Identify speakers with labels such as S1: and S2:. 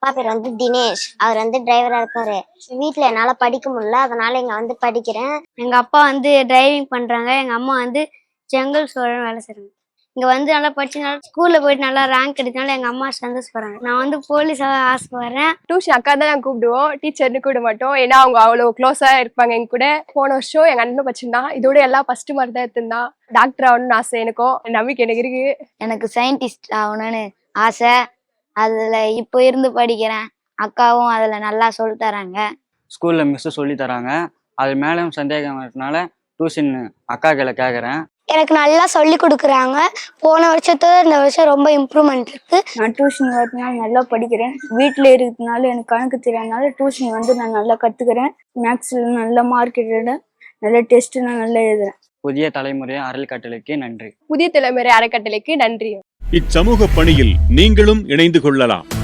S1: அப்பா பேர் வந்து தினேஷ். அவர் வந்து டிரைவரா இருக்காரு. வீட்டுல என்னால படிக்க முடியல, அதனால இங்க வந்து படிக்கிறேன். எங்க அப்பா வந்து டிரைவிங் பண்றாங்க, எங்க அம்மா வந்து ஜங்கல் சோழன் வேலை செய்றாங்க. இங்க வந்து நல்லா படிச்சனால ஸ்கூல்ல போயிட்டு நல்லா ரேங்க் எடுத்தனால எங்க அம்மா சந்தோஷப்படுறாங்க. நான் வந்து போலீஸாக ஆசைப்படுறேன்.
S2: டியூஷன் அக்கா தான் நாங்கள் கூப்பிடுவோம், டீச்சர்னு கூப்பிட மாட்டோம். ஏன்னா அவங்க அவ்வளோ க்ளோஸாக இருப்பாங்க எங்க கூட. போன வருஷம் எங்கள் அண்ணன் படிச்சிருந்தான், இதோட எல்லாம் ஃபர்ஸ்ட் மார்க் தான் எடுத்திருந்தான். டாக்டர் ஆகணும்னு ஆசை, எனக்கும் நம்பிக்கை எனக்கு இருக்கு.
S3: எனக்கு சயின்டிஸ்ட் ஆகணும்னு ஆசை. அதில் இப்போ இருந்து படிக்கிறேன். அக்காவும் அதில் நல்லா சொல்லி தராங்க.
S4: ஸ்கூலில் மிஸ்ஸு சொல்லி தராங்க. அது மேலும் சந்தேகம் இருக்கனால டியூஷன் அக்காக்களை கேட்குறேன்.
S1: எனக்கு நல்லா சொல்லி கொடுக்குறாங்க. போன வருஷத்தோட இந்த வருஷம் ரொம்ப இம்ப்ரூவ்மெண்ட் இருக்கு.
S3: நான் டியூஷன் வரதுனால நல்லா படிக்கிறேன். வீட்டில் இருக்கிறதுனால எனக்கு கணக்கு தெரியாதனால டியூஷன் வந்து நான் நல்லா கற்றுக்கிறேன். மேக்ஸில் நல்ல மார்க் எடுக்கிறேன், நல்ல டெஸ்ட்டு நான் நல்லா எழுதுறேன்.
S4: புதிய தலைமுறை அறக்கட்டளைக்கு நன்றி.
S2: புதிய தலைமுறை அறக்கட்டளைக்கு நன்றி.
S5: இச்சமூக பணியில் நீங்களும் இணைந்து கொள்ளலாம்.